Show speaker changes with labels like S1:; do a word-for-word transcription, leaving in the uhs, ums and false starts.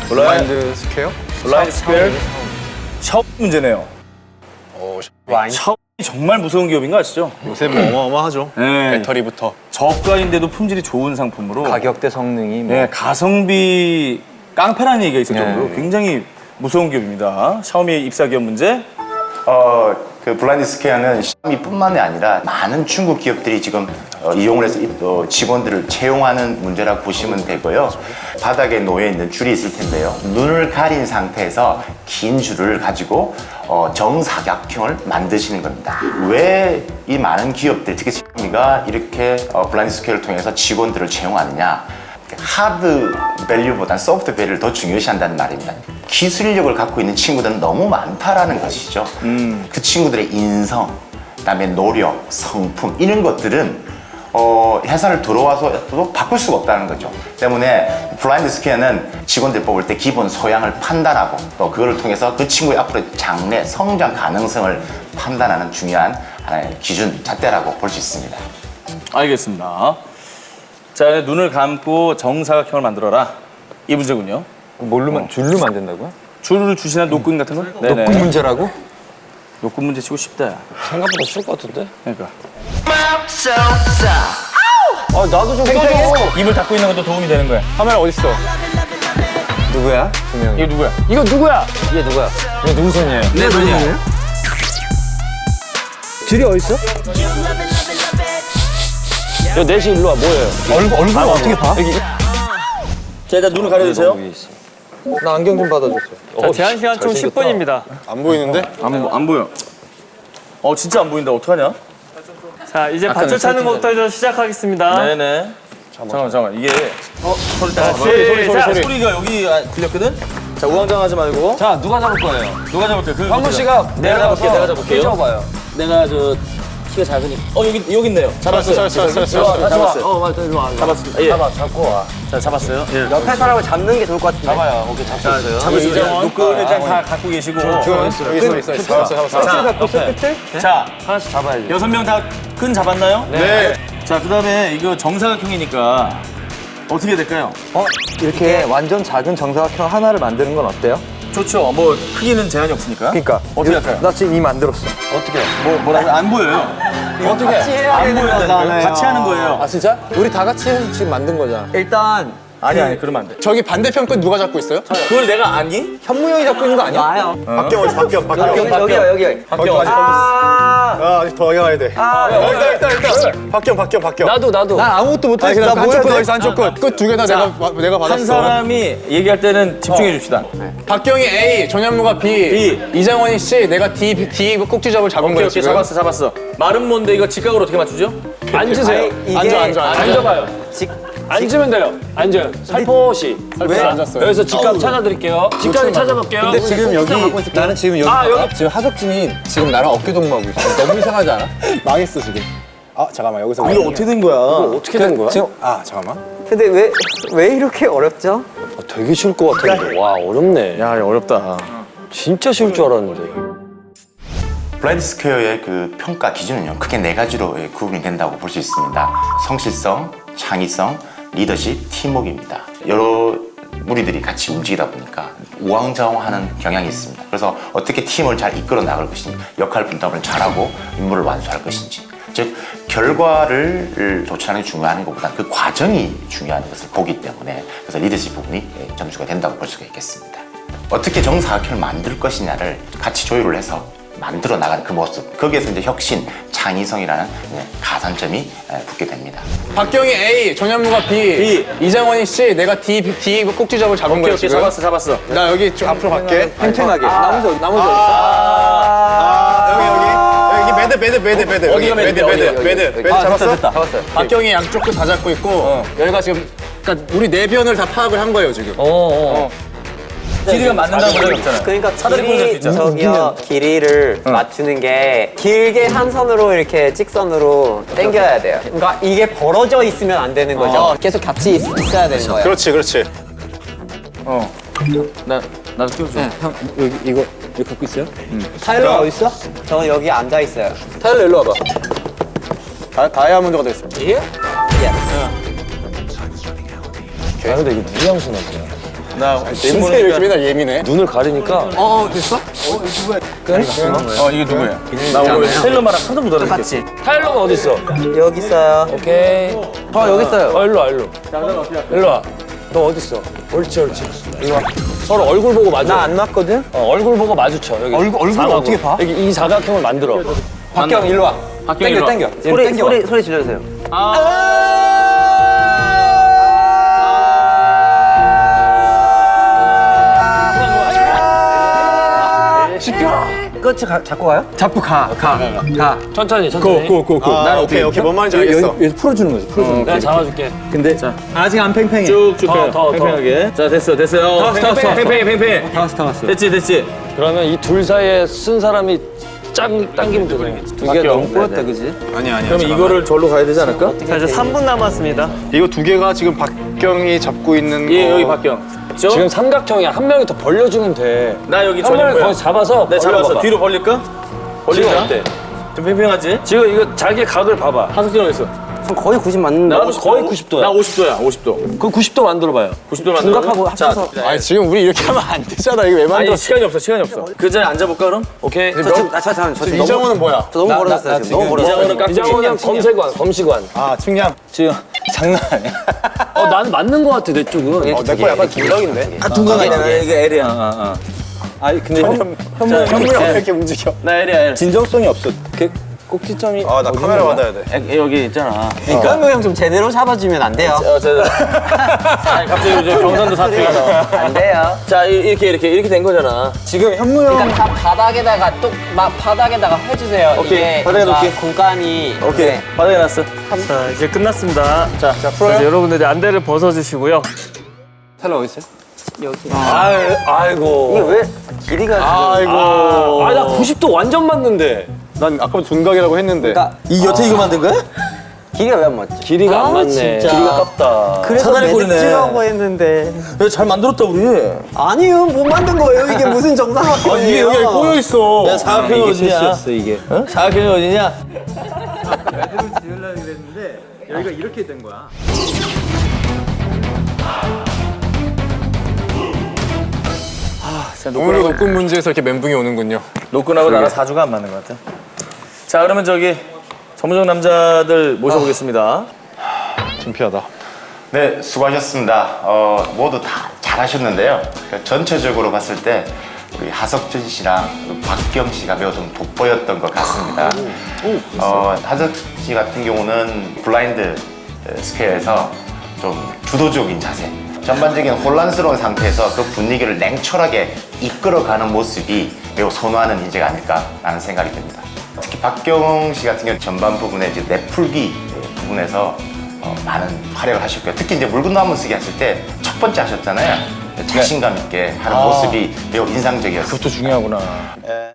S1: 블라인드 스퀘어?
S2: 블라인드 스퀘어. 샤오미 문제네요.
S1: 어,
S2: 샤오미 정말 무서운 기업인 거 아시죠?
S1: 요새 뭐 어마어마하죠.
S2: 네.
S1: 배터리부터.
S2: 저가인데도 품질이 좋은 상품으로.
S3: 가격대 성능이 뭐.
S2: 네, 가성비 깡패라는 얘기가 있을
S3: 네.
S2: 정도로 굉장히 무서운 기업입니다. 샤오미 입사 기업 문제.
S4: 어, 그 블라인드 스퀘어는 샤오미뿐만이 아니라 많은 중국 기업들이 지금 어, 이용을 해서 어, 직원들을 채용하는 문제라고 보시면 되고요. 바닥에 놓여 있는 줄이 있을 텐데요. 눈을 가린 상태에서 긴 줄을 가지고 어, 정사각형을 만드시는 겁니다. 왜 이 많은 기업들, 특히 샤오미가 이렇게 어, 블라인드 스퀘어를 통해서 직원들을 채용하느냐? 하드 밸류보다는 소프트 밸류를 더 중요시한다는 말입니다. 기술력을 갖고 있는 친구들은 너무 많다라는 것이죠. 음. 그 친구들의 인성, 그다음에 노력, 성품 이런 것들은 어, 회사를 들어와서도 바꿀 수가 없다는 거죠. 때문에 블라인드 스퀘어는 직원들 뽑을 때 기본 소양을 판단하고 또 그걸 통해서 그 친구의 앞으로의 장래, 성장 가능성을 판단하는 중요한 하나의 기준, 잣대라고 볼 수 있습니다.
S2: 알겠습니다. 자, 눈을 감고 정사각형을 만들어라. 이 문제군요.
S3: 뭘로 만, 줄로 만든다고요?
S2: 줄을 주시나 녹근 같은 거? 네네.
S3: 녹음 문제라고?
S2: 녹근 문제 치고 싶다.
S1: 생각보다 쉬울 것 같은데?
S2: 그러니까.
S3: 아 나도 좀 껴줘.
S2: 입을 닫고 있는 것도 도움이 되는 거야.
S1: 카메라 어딨어?
S3: 누구야? 두 명이.
S2: 이게 누구야?
S1: 이거 누구야?
S3: 이게 누구야?
S1: 이거 누구 손이에요?
S2: 내 손이야.
S3: 줄이 어딨어?
S1: 야, 넷이 일로 와, 뭐예요?
S3: 얼굴 얼굴 아, 어떻게 봐?
S1: 여기.
S2: 자, 일단 눈을 가려주세요.
S3: 나 안경 좀 받아줬어.
S1: 자, 제한 시간 총 십 분입니다.
S5: 안 보이는데?
S2: 안, 안 보여. 어, 진짜 안 보인다. 어떡하냐?
S1: 자, 이제
S2: 아까는
S1: 밧줄 차는
S2: 살짝
S1: 것부터 시작하겠습니다.
S2: 네네. 잠깐만, 잠깐만. 이게. 어, 소리,
S1: 자,
S2: 소리, 소리, 소리,
S1: 시작.
S2: 소리. 소리가 여기 아, 들렸거든? 자, 우왕좌왕하지 말고.
S3: 자 누가 잡을 거예요?
S2: 누가 잡을게요? 그,
S3: 황문 씨가
S2: 내가 잡을게요. 내가 잡을게요.
S3: 잡아요.
S2: 내가 저 키가 작으니까. 어, 여기, 여기 있네요. 잡았어요.
S5: 잘했어, 잘했어, 잘했어.
S2: 잡았어요.
S3: 어 맞다 일로 와.
S2: 잡았습니다. 예.
S3: 잡아 잡고 와.
S2: 자, 잡았어요. 예.
S3: 옆에 사람을 잡는 게 좋을 것 같은데. 잡아요. 오케이 잡고
S2: 자,
S3: 있어요.
S2: 잡으시죠.
S3: 이정원.
S2: 녹근을 일단 다 갖고 계시고.
S5: 여기 있어, 있어, 있어. 잡았어, 잡았어.
S2: 자,
S3: 갖고 있어 끝을?
S2: 자,
S3: 하나씩 잡아야지.
S2: 여섯 명 다 끈 잡았나요?
S5: 네.
S2: 자, 그 다음에 이거 정사각형이니까 어떻게 될까요?
S3: 어 이렇게 완전 작은 정사각형 하나를 만드는 건 어때요?
S2: 좋죠. 뭐 크기는 제한이 없으니까.
S3: 그러니까
S2: 어떻게 할까요?
S3: 나 지금 이미 만들었어.
S2: 어떻게? 뭐 뭐라고? 안 보여요.
S3: 어떻게? 같이 해야
S2: 안
S3: 되는
S2: 보여요.
S3: 거잖아요.
S2: 같이 하는 거예요.
S3: 아 진짜? 우리 다 같이 해서 지금 만든 거잖아. 일단
S2: 아니 아니 그러면 안 돼.
S5: 저기 반대편 건 누가 잡고 있어요?
S2: 그걸 내가 아니?
S3: 현무 형이 잡고 있는 거 아니야? 나요.
S5: 박경 어디, 박경, 박경.
S3: 여기 여기요 여기.
S2: 박경.
S3: 아,
S5: 아, 아직 더 가야 돼.
S3: 아,
S5: 어, 있다, 있다, 있다. 박경, 박경, 박경.
S1: 나도, 나도.
S3: 난 아무것도
S5: 아니,
S3: 못했어.
S5: 그냥
S3: 나
S5: 한쪽
S3: 뭐야
S5: 끝,
S3: 돼?
S5: 여기서 한쪽 끝. 끝 두 개 다 내가, 마- 내가 받았어.
S2: 한 사람이 얘기할 때는 집중해 줍시다.
S5: 박경이 A, 전현무가 B,
S2: B.
S5: 이장원이 C, 내가 D, D 꼭지잡을 잡은
S2: 오케이
S5: 거예요,
S2: 오케이
S5: 지금.
S2: 잡았어 잡았어. 말은 뭔데 이거 직각으로 어떻게 맞추죠?
S1: 앉으세요.
S3: 이게
S5: 앉아, 앉아, 앉아.
S1: 앉아봐요. 앉으면 돼요. 앉아요. 살포시.
S5: 왜 앉았어요?
S1: 여기서 직각 찾아드릴게요. 직각이 찾아볼게요.
S3: 근데 지금 여기 나는 지금 여기
S1: 아, 여기.
S3: 지금 하석진이 지금 나랑 어깨 동무하고 있어. 너무 이상하지 않아?
S5: 망했어, 지금. 아, 잠깐만, 여기서.
S2: 이거 어떻게 된 거야?
S1: 어떻게 된 거야?
S3: 지금
S5: 아, 잠깐만.
S3: 근데 왜 왜 이렇게 어렵죠?
S1: 아, 되게 쉬울 것 같은데. 와, 어렵네.
S2: 야 어렵다.
S1: 진짜 쉬울 줄 알았는데.
S4: 블라인드 스퀘어의 그 평가 기준은요, 크게 네 가지로 예, 구분이 된다고 볼 수 있습니다. 성실성, 창의성, 리더십, 팀워크입니다. 여러 무리들이 같이 움직이다 보니까 우왕좌왕하는 경향이 있습니다. 그래서 어떻게 팀을 잘 이끌어 나갈 것인지, 역할 분담을 잘하고 임무를 완수할 것인지, 즉 결과를 도출하는 게 중요한 것보다 그 과정이 중요한 것을 보기 때문에 그래서 리더십 부분이 예, 점수가 된다고 볼 수가 있겠습니다. 어떻게 정사각형을 만들 것이냐를 같이 조율을 해서 만들어 나가는 그 모습, 거기에서 이제 혁신, 창의성이라는 가산점이 붙게 됩니다.
S5: 박경이 A, 전현무가 B,
S2: B.
S5: 이장원이 C, 내가 D, D 꼭지잡을 잡은
S2: 오케이
S5: 거예요,
S2: 오케이
S5: 지금.
S2: 잡았어 잡았어.
S5: 나 여기 좀 앞으로 갈게.
S3: 팽팽하게. 나머지 어디- 나머지 어디
S5: 아, 여기, 여기. 여기 매드, 매드, 매드, 매드.
S2: 어디가
S5: 여기,
S2: 매드인데,
S5: 매드,
S2: 어디가,
S5: 매드, 매드.
S2: 여기.
S5: 매드
S2: 아,
S5: 잡았어?
S2: 됐다, 됐다.
S3: 잡았어요.
S5: 박경이 양쪽 끝 다 잡고 있고, 여기가 지금, 그러니까 우리 네 변을 다 파악을 한 거예요, 지금.
S1: 어, 어.
S2: 길이가 맞는다는 걸 없잖아요.
S6: 그러니까
S2: 사다리 꼴릴 수
S6: 길이
S2: 있잖아.
S6: 저기요 길이를 맞추는 게 길게 한 선으로 이렇게 직선으로 당겨야 돼요. 그러니까 이게 벌어져 있으면 안 되는 거죠. 계속 같이 있, 있어야 되는 거예요.
S5: 그렇지, 그렇지.
S2: 어. 나 나도 끼워줘.
S3: 형 여기 이거 이거 갖고 있어요?
S6: 타일러 어디 있어? 저는 여기 앉아 있어요.
S5: 타일러 일로 와봐. 다, 다이아몬드가 됐어.
S6: 예?
S1: 야, 근데 이거 누구 양손 하세요?
S5: 나 냄새 이렇게 맨날 예민해.
S1: 눈을 가리니까.
S6: 어 됐어?
S2: 어 이게 누구야? 나 오늘 셀러마랑 사전 못 알아듣겠어.
S6: 같이.
S1: 타일러가 어디 있어?
S6: 여기 있어요.
S1: 오케이.
S3: 저 여기 있어요.
S1: 어, 일로 와, 일로. 일로 와. 너 어디 있어? 옳지, 옳지. 일로 와. 서로 얼굴 보고 마주.
S6: 나 안 맞거든?
S1: 어, 얼굴 보고 마주쳐. 여기.
S3: 얼굴- 얼굴을
S1: 사각으로.
S3: 어떻게 봐?
S1: 여기 이 사각형을 만들어.
S6: 박경 일로 와.
S2: 박경 일로 와.
S6: 땡겨.
S3: 소리
S6: 땡겨.
S3: 소리 소리 질러주세요. 끝이 가, 잡고 가요?
S6: 잡고 가. 가. 가.
S1: 천천히, 천천히.
S5: 고고고. 난 오케이 오케이 뭔 말인지 알겠어.
S3: 여기서 풀어주는 거지. 풀어주는
S1: 내가 잡아줄게.
S3: 근데 아직 안 팽팽해.
S2: 쭉쭉
S1: 더,
S2: 펴요.
S1: 더, 더.
S2: 팽팽하게. 자 됐어 됐어요. 어,
S3: 다 왔어, 다 왔어.
S2: 팽팽해 팽팽해.
S3: 다 왔어 다 왔어.
S2: 됐지 됐지.
S1: 그러면 이 둘 사이에 쓴 사람이 짱 당기면 되잖아.
S3: 두 개 너무 꼬였다 그지?
S5: 아니야 아니야.
S2: 그러면 이거를 절로 가야 되지 않을까?
S6: 자 이제 삼 분 남았습니다.
S5: 이거 두 개가 지금 박경이 잡고 있는
S2: 예
S5: 거.
S2: 여기 박경. 있죠?
S1: 지금 삼각형이야. 한 명이 더 벌려주면 돼.
S2: 나 여기
S1: 한
S2: 전인
S1: 명이
S2: 거야.
S1: 거기 잡아서
S2: 내 잡았어.
S1: 벌려봐봐.
S2: 뒤로 벌릴까?
S1: 지금
S2: 벌리자.
S1: 어때?
S2: 좀 팽팽하지?
S1: 지금 이거 자기 각을 봐봐.
S2: 한석진 어디 있어?
S3: 전 거의 구십 맞는데.
S2: 나도
S1: 거의 구십 도야.
S2: 나 오십 도야. 오십 도.
S1: 그럼 구십 도 만들어봐요.
S2: 구십 도 만들어.
S3: 중각하고 합쳐서.
S5: 아니 지금 우리 이렇게 하면 안 되잖아. 이거 왜
S2: 아니
S5: 만들었어?
S2: 시간이 없어. 시간이 없어. 그 자리에 앉아볼까 그럼?
S1: 오케이.
S3: 저 지금 아, 저, 저, 저, 지금
S5: 이정호는 뭐야?
S3: 저 너무 멀어졌어요 지금. 너무 멀어졌어요.
S2: 이장호는 깍두기.
S1: 이장호는 검색관, 검시관.
S5: 아 측량.
S2: 지금 장난 아니야.
S1: 어, 나는 맞는 거 같아, 내 쪽은.
S5: 어, 내 거 약간 김덕인데?
S2: 아 둥강이잖아. 이게 L이야. 어, 어.
S3: 아니 근데 현,
S2: 자,
S5: 현무형 왜 이렇게 움직여?
S2: 나 L이야 L.
S3: 진정성이 없어. 그 꼭지점이.
S5: 아 나 카메라 받아야 돼.
S2: 에, 여기 있잖아.
S6: 그러니까 현무 형좀 제대로 잡아주면 안 돼요.
S2: 어, 저, 아니, 갑자기 이제 경상도 사투리가
S6: 안 돼요.
S2: 자 이- 이렇게 이렇게 이렇게 된 거잖아.
S3: 지금 현무 형.
S6: 그러니까 다 바닥에다가 똑막 바닥에다가 해주세요.
S2: 오케이,
S6: 이게
S2: 바닥에
S6: 뭔가
S2: 놓을게.
S6: 공간이
S2: 오케이
S6: 네.
S2: 바닥에 놨어.
S7: 자 이제 끝났습니다.
S2: 자, 자 풀어요.
S7: 이제 여러분들이 안대를 벗어주시고요.
S3: 텔러 어디 있어요?
S1: 아이, 아이고.
S3: 이게 왜 길이가?
S5: 아이고.
S1: 아, 나 구십 도 완전 맞는데.
S5: 난 아까 둔각이라고 했는데.
S3: 그러니까
S2: 이 여태 이거 만든 거야?
S3: 길이가 왜 안 맞지?
S1: 길이가
S6: 아,
S1: 안 맞네.
S6: 진짜.
S1: 길이가 깝다.
S6: 그래서
S2: 사다리 꼴이네.
S6: 매듭지라고 했는데
S2: 야, 잘 만들었다 우리.
S6: 아니요 못 만든 거예요. 이게 무슨 정상학교예요?
S5: 이게 여기 꼬여 있어.
S2: 야 사각형이 어디냐?
S3: 실수였어 이게.
S2: 어? 사각형이 어디냐?
S3: 여기가 이렇게 된 거야.
S5: 오늘도 녹군 문제에서 이렇게 멘붕이 오는군요.
S2: 노끈하고 나랑 사주가 안 맞는 것 같아. 자 그러면 저기 전문적 남자들 모셔보겠습니다.
S5: 창피하다.
S4: 네, 수고하셨습니다. 어, 모두 다 잘하셨는데요. 그러니까 전체적으로 봤을 때 우리 하석준 씨랑 박경 씨가 매우 좀 돋보였던 것 같습니다. 어, 하석 씨 같은 경우는 블라인드 스퀘어에서 좀 주도적인 자세, 전반적인 혼란스러운 상태에서 그 분위기를 냉철하게 이끌어가는 모습이 매우 선호하는 인재가 아닐까라는 생각이 듭니다. 특히 박경 씨 같은 경우 전반 부분에 이제 내풀기 부분에서 어, 많은 활약을 하셨고요. 특히 이제 묽은 나무 쓰기 하실 때 첫 번째 하셨잖아요. 자신감 있게 하는 모습이 매우 인상적이었어요.
S2: 그것도 중요하구나.